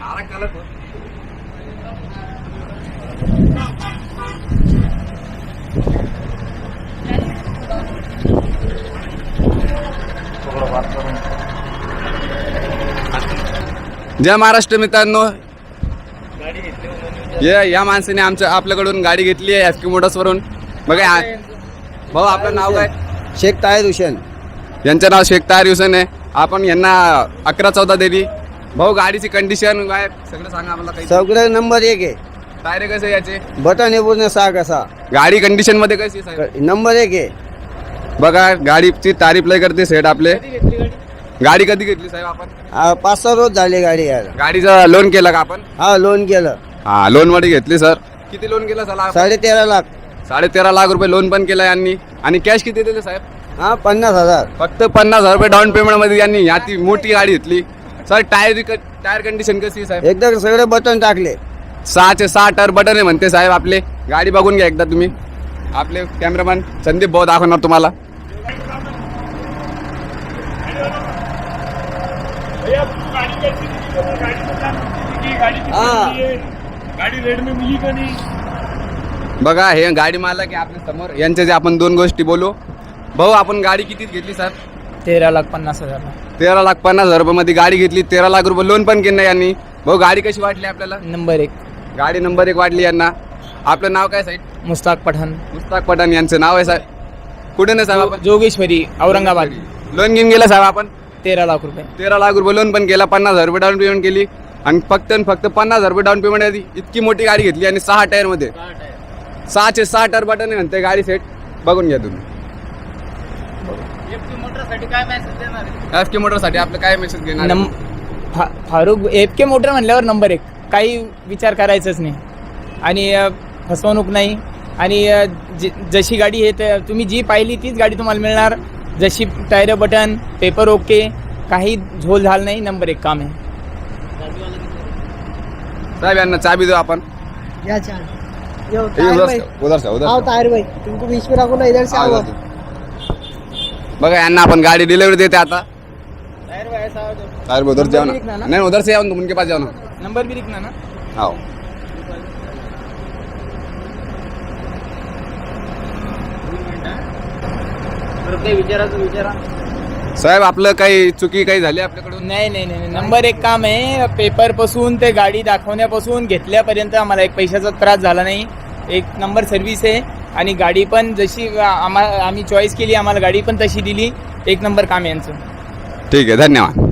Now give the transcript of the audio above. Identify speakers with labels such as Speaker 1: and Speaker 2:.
Speaker 1: जय महाराष्ट्र मित्रांनो, या माणसाने आपल्याकडून गाडी घेतली आहे FK मोटर्स वरून. बघा भाऊ, आपलं नाव काय?
Speaker 2: शेख ताहिर हुसेन.
Speaker 1: यांचं नाव शेख ताहिर हुसेन आहे. आपण यांना 11-14 दिली. भाऊ, गाडीची कंडिशन काय सगळं सांगा आम्हाला. काही
Speaker 2: सगळं नंबर 1 आहे.
Speaker 1: टायर कसे याचे?
Speaker 2: बटन आहे पूर्ण 6 कसा.
Speaker 1: गाडी कंडिशन मध्ये कशी आहे साहेब?
Speaker 2: नंबर 1 आहे.
Speaker 1: बघा, गाडीची तारीफ लय करते सेट आपले. गाडी कधी घेतली साहेब आपण?
Speaker 2: 5-6 रोज झाले गाडी यायला.
Speaker 1: गाडीचं लोन केलं का आपण?
Speaker 2: हा, लोन केलं.
Speaker 1: हा, लोन मध्ये घेतली सर. किती लोन केलं सर?
Speaker 2: 13.5 लाख.
Speaker 1: 13.5 लाख रुपये लोन पण केलं यांनी. आणि कॅश किती दिले साहेब?
Speaker 2: हा, 50,000.
Speaker 1: फक्त 50,000 रुपये डाऊन पेमेंट मध्ये यांनी ती मोठी गाडी घेतली. सर, टायर कंडिशन कशी आहे साहेब?
Speaker 2: एकदा सगळे बटन टाकले.
Speaker 1: 6चे 6 टायर बटन आहे म्हणते साहेब आपले. गाडी बघून घ्या एकदा तुम्ही. आपले कॅमेरामॅन संदीप भाऊ दाखवणार तुम्हाला. बघा, हे गाडी मालक आहे आपल्या समोर. यांच्या जे आपण 2 गोष्टी बोलू. भाऊ, आपण गाडी किती घेतली सर?
Speaker 3: 13,50,000.
Speaker 1: 13,50,000 रुपये मध्ये गाडी घेतली. 13 लाख रुपये लोन पण केलं यांनी. भाऊ, गाडी कशी वाटली आपल्याला?
Speaker 3: नंबर 1.
Speaker 1: गाडी नंबर 1 वाटली यांना. आपलं नाव काय साहेब?
Speaker 3: मुस्ताक पठाण.
Speaker 1: मुस्ताक पठाण यांचं नाव आहे साहेब. कुठे नाही साहेब आपण?
Speaker 3: जोगेश्वरी, औरंगाबाद.
Speaker 1: लोन घेऊन गेला साहेब आपण?
Speaker 3: 13 लाख रुपये.
Speaker 1: 13 लाख रुपये लोन पण केला. 50,000 रुपये डाऊन पेमेंट केली. आणि फक्त 50,000 रुपये डाऊन पेमेंट आधी इतकी मोठी गाडी घेतली. आणि 6 टायर मध्ये 6चे 6 टायर बटन आहे म्हणते गाडी सेट. बघून घ्या तुम्ही. FK मोटर साठी आपलं काय मेसेज घेणार?
Speaker 3: फारुख FK मोटर म्हणल्यावर नंबर 1. काही विचार करायचंच नाही. आणि फसवणूक नाही. आणि जशी गाडी आहे तुम्ही जी पाहिली तीच गाडी तुम्हाला मिळणार. जशी टायर बटन, पेपर ओके, काही झोल झाल नाही. नंबर 1 काम आहे
Speaker 1: साहेब. यांना चाबी देऊ आपण. उधर से
Speaker 2: ताहिर भाई, तुमको बीच में रखो ना, इधर से आओ.
Speaker 1: बघा, यांना आपण गाडी डिलिव्हरी देते आता. ताहिर भाई उधर जाओ ना. नहीं, उधर से आओ, तुम उनके पास जाओ ना.
Speaker 3: नंबर भी लिखना ना.
Speaker 1: आओ.
Speaker 3: विचारा
Speaker 1: साहेब, आपलं काही चुकी काही झाली आपल्याकडून?
Speaker 3: नाही. नंबर 1 काम आहे. पेपर पासून ते गाडी दाखवण्यापासून घेतल्यापर्यंत आम्हाला एक पैशाचा त्रास झाला नाही. 1 नंबर सर्व्हिस आहे. आणि गाडी पण जशी आम्ही चॉईस केली, आम्हाला गाडी पण तशी दिली. 1 नंबर काम आहे यांचं.
Speaker 1: ठीक आहे, धन्यवाद.